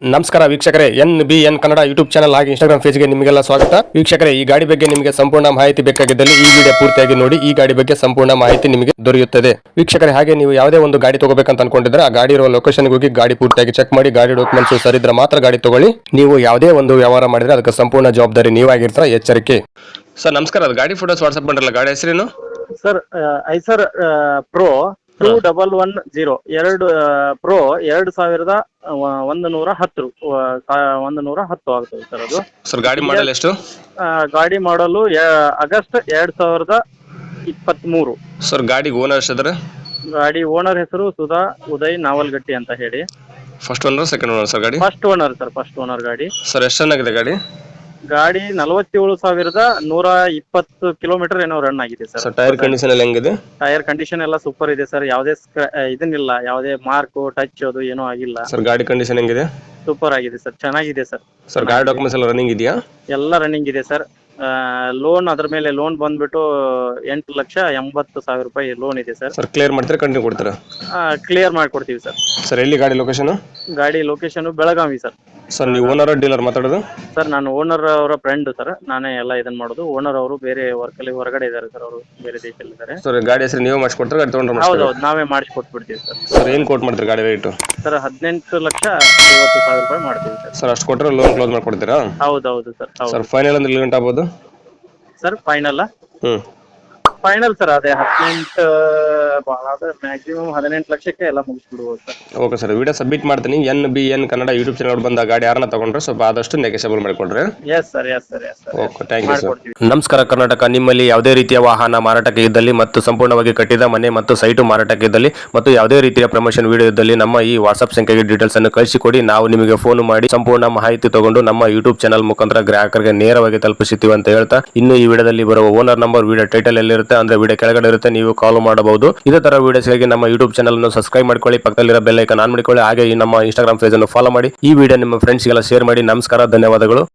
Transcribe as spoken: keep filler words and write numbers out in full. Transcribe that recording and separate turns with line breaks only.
ನಮಸ್ಕಾರ ವೀಕ್ಷಕರೇ, N B N Kannada YouTube channel ಹಾಗೆ ಇನ್ಸ್ಟಾಗ್ರಾಮ್ ಪೇಜ್ಗೆ ನಿಮಗೆಲ್ಲ ಸ್ವಾಗತ. ವೀಕ್ಷಕರೇ, ಈ ಗಾಡಿ ಬಗ್ಗೆ ನಿಮಗೆ ಸಂಪೂರ್ಣ ಮಾಹಿತಿ ಬೇಕಾಗಿದ್ದಲ್ಲಿ ಈ ವಿಡಿಯೋ ಪೂರ್ತಿಯಾಗಿ ನೋಡಿ. ಈ ಗಾಡಿ ಬಗ್ಗೆ ಸಂಪೂರ್ಣ ಮಾಹಿತಿ ನಿಮಗೆ ದೊರೆಯುತ್ತದೆ. ವೀಕ್ಷಕರೇ, ಹಾಗೆ ನೀವು ಯಾವುದೇ ಒಂದು ಗಾಡಿ ತಗೋಬೇಕಂತ ಅನ್ಕೊಂಡಿದ್ರೆ ಆ ಗಾಡಿ ಇರುವ ಲೊಕೇಶನ್ಗೆ ಹೋಗಿ ಗಾಡಿ ಪೂರ್ತಿಯಾಗಿ ಚೆಕ್ ಮಾಡಿ ಗಾಡಿ ಡಾಕ್ಯುಮೆಂಟ್ಸ್ ಸರಿದ್ರೆ ಮಾತ್ರ ಗಾಡಿ ತಗೊಳ್ಳಿ. ನೀವು ಯಾವುದೇ ಒಂದು ವ್ಯವಹಾರ ಮಾಡಿದ್ರೆ ಅದಕ್ಕೆ ಸಂಪೂರ್ಣ ಜವಾಬ್ದಾರಿ ನೀವಾಗಿರ್ತೀರ, ಎಚ್ಚರಿಕೆ. ಸರ್ ನಮಸ್ಕಾರ, ಅದು ಗಾಡಿ ಫೋಟೋಸ್ ವಾಟ್ಸ್ಆಪ್ ಮಾಡಿರಲ್ಲ, ಗಾಡಿ ಹೆಸರೇನು
sir? Eicher pro two double one zero ಎರಡು ಪ್ರೋ ಎರಡು ಸಾವಿರದ ಒಂದು ನೂರ ಹತ್ತು ಒಂದು ನೂರ ಹತ್ತು ಆಗ್ತದೆ ಸರ್. ಅದು
ಸರ್ ಗಾಡಿ ಮಾಡಲ್ ಎಷ್ಟು?
ಆ, ಗಾಡಿ ಮಾಡಲು ಆಗಸ್ಟ್ ಎರಡ್ ಸಾವಿರದ ಇಪ್ಪತ್ತ್ ಮೂರು.
ಸರ್ ಗಾಡಿ ಓನರ್ ಎಷ್ಟಿದ್ರೆ?
ಗಾಡಿ ಓನರ್ ಹೆಸರು ಸುಧಾ ಉದಯ್ ನಾವಲ್ಗಟ್ಟಿ ಅಂತ ಹೇಳಿ.
First owner second owner sir ಗಾಡಿ?
First owner sir, first owner ಗಾಡಿ.
ಸರ್ ಎಷ್ಟು ಚೆನ್ನಾಗಿದೆ ಗಾಡಿ?
ಗಾಡಿ ನಲವತ್ತೇಳು ಸಾವಿರದ ನೂರ ಇಪ್ಪತ್ತು ಕಿಲೋಮೀಟರ್ ಏನೋ ರನ್ ಆಗಿದೆ ಸರ್.
ಸರ್ ಟೈರ್ ಕಂಡೀಷನ್ ಎಲ್ಲ ಹೆಂಗಿದೆ?
ಟೈರ್ ಕಂಡೀಷನ್ ಎಲ್ಲ ಸೂಪರ್ ಇದೆ ಸರ್. ಯಾವುದೇ ಇದನ್ನಿಲ್ಲ, ಯಾವುದೇ ಮಾರ್ಕ್ ಟಚ್ ಅದು ಏನೂ ಆಗಿಲ್ಲ
ಸರ್. ಗಾಡಿ ಕಂಡೀಷನ್ ಹೆಂಗಿದೆ?
ಸೂಪರ್ ಆಗಿದೆ ಸರ್, ಚೆನ್ನಾಗಿದೆ ಸರ್.
ಸರ್ ಗಾಡಿ ಡಾಕ್ಯುಮೆಂಟ್ಸ್ ಎಲ್ಲ ರನ್ನಿಂಗ್ ಇದೆಯಾ?
ಎಲ್ಲ ರನ್ನಿಂಗ್ ಇದೆ ಸರ್. ಲೋನ್ ಅದ್ರ ಮೇಲೆ ಲೋನ್ ಬಂದ್ಬಿಟ್ಟು ಎಂಟು ಲಕ್ಷ ಎಂಬತ್ತು ಸಾವಿರ ರೂಪಾಯಿ ಲೋನ್ ಇದೆ ಸರ್.
ಸರ್ ಕ್ಲಿಯರ್ ಮಾಡ್ತೀರಾ ಕಂಟಿನ್ಯೂ ಕೊಡ್ತೀರಾ?
ಕ್ಲಿಯರ್ ಮಾಡ್ಕೊಡ್ತೀವಿ ಸರ್.
ಸರ್ ಎಲ್ಲಿ ಗಾಡಿ ಲೊಕೇಶನ್?
ಗಾಡಿ ಲೊಕೇಶನ್ ಬೆಳಗಾವಿ ಸರ್.
ಸರ್ ನೀವು ಓನರ್ ಡೀಲರ್ ಮಾತಾಡೋದು?
ಸರ್ ನಾನು ಓನರ್ ಅವರ ಫ್ರೆಂಡ್ ಸರ್, ನಾನೇ ಎಲ್ಲ ಇದನ್ನ ಮಾಡೋದು. ಓನರ್ ಅವರು ಬೇರೆ ವರ್ಕ್ ಅಲ್ಲಿ ಹೊರಗಡೆ ಇದ್ದಾರೆ ಸರ್, ಅವರು ಬೇರೆ ದೇಶದಲ್ಲಿ ಇದ್ದಾರೆ.
ಸರ್ ಗಾಡಿ ಹೆಸರು ನೀವು ಮಾಡಿಸ್ಕೊಡ್ತಾರೆ, ಗಾಡಿ ತೊಗೊಂಡ್ರೆ?
ಹೌದೌದು, ನಾವೇ ಮಾಡಿಸ್ಕೊಟ್ಬಿಡ್ತೀವಿ ಸರ್.
ಸರ್ ಏನು ಕೋಟ್ ಮಾಡ್ತೀರಿ ಗಾಡಿ ರೇಟು?
ಸರ್ ಹದಿನೆಂಟು ಲಕ್ಷ ಐವತ್ತು ಸಾವಿರ ರೂಪಾಯಿ ಮಾಡ್ತೀವಿ ಸರ್.
ಸರ್ ಅಷ್ಟು ಕೊಟ್ಟರೆ ಲೋನ್ ಕ್ಲೋಸ್ ಮಾಡ್ಕೊಡ್ತೀರಾ?
ಹೌದೌದು ಸರ್.
ಸರ್ ಫೈನಲ್ ಅಂದ್ರೆ ಗಂಟೆ ಆಗ್ಬೋದು
sir? Final
hmm
final sir ಅದೇ ಹದಿನೆಂಟು, ಮ್ಯಾಕ್ಸಿಮಮ್ ಹದಿನೆಂಟು ಲಕ್ಷಕ್ಕೆ ಎಲ್ಲ ಮುಗಿಸ್ಬಿಡ್ಬೋದು ಸರ್.
ಓಕೆ ಸರ್, ವಿಡಿಯೋ ಸಬ್ಮಿಟ್ ಮಾಡ್ತೀನಿ. N B N Kannada YouTube channel ಬಂದ ಗಾಡಿ ಯಾರನ್ನ ತಗೊಂಡ್ರೆ ಸ್ವಲ್ಪ ಆದಷ್ಟು ನೆಗೆಸಬಲ್ ಮಾಡಿಕೊಡ್ರಿ.
Yes sir, yes sir, yes sir.
Okay, thank you sir. ನಮಸ್ಕಾರ ಕರ್ನಾಟಕ. ನಿಮ್ಮಲ್ಲಿ ಯಾವುದೇ ರೀತಿಯ ವಾಹನ ಮಾರಾಟಕ್ಕೆ ಇದ್ದಲ್ಲಿ ಮತ್ತು ಸಂಪೂರ್ಣವಾಗಿ ಕಟ್ಟಿದ ಮನೆ ಮತ್ತು ಸೈಟು ಮಾರಾಟಕ್ಕೆ ಇದ್ದಲ್ಲಿ ಮತ್ತು ಯಾವುದೇ ರೀತಿಯ ಪ್ರಮೋಷನ್ ವಿಡಿಯೋ ಇದ್ದಲ್ಲಿ ನಮ್ಮ ಈ ವಾಟ್ಸ್ಆಪ್ ಸಂಖ್ಯೆಗೆ ಡೀಟೇಲ್ಸ್ ಅನ್ನು ಕಳಿಸಿಕೊಡಿ. ನಾವು ನಿಮಗೆ ಫೋನ್ ಮಾಡಿ ಸಂಪೂರ್ಣ ಮಾಹಿತಿ ತಗೊಂಡು ನಮ್ಮ ಯೂಟ್ಯೂಬ್ ಚಾನಲ್ ಮುಖಾಂತರ ಗ್ರಾಹಕರಿಗೆ ನೇರವಾಗಿ ತಲುಪಿಸುತ್ತೀವಿ ಅಂತ ಹೇಳ್ತಾ, ಇನ್ನು ಈ ವಿಡಿಯೋದಲ್ಲಿ ಬರುವ ಓನರ್ ನಂಬರ್ ವಿಡಿಯೋ ಟೈಟಲ್ ಎಲ್ಲಿರುತ್ತೆ ಅಂದ್ರೆ ವಿಡಿಯೋ ಕೆಳಗಡೆ ಇರುತ್ತೆ, ನೀವು ಕಾಲ್ ಮಾಡಬಹುದು. ಇದೇ ತರ ವಿಡಿಯೋಸ್ಗಾಗಿ ನಮ್ಮ ಯೂಟ್ಯೂಬ್ ಚಾನಲ್ ಅನ್ನು ಸಬ್ಸ್ಕ್ರೈಬ್ ಮಾಡ್ಕೊಳ್ಳಿ, ಪಕ್ಕದಲ್ಲಿರೋ ಬೆಲ್ ಐಕಾನ್ ಆನ್ ಮಾಡಿಕೊಳ್ಳಿ. ಹಾಗೆ ಈ ನಮ್ಮ ಇನ್ಸ್ಟಾಗ್ರಾಮ್ ಪೇಜ್ ಅನ್ನು ಫಾಲೋ ಮಾಡಿ. ಈ ವಿಡಿಯೋ ನಿಮ್ಮ ಫ್ರೆಂಡ್ಸ್ಗೆಲ್ಲ ಶೇರ್ ಮಾಡಿ. ನಮಸ್ಕಾರ, ಧನ್ಯವಾದಗಳು.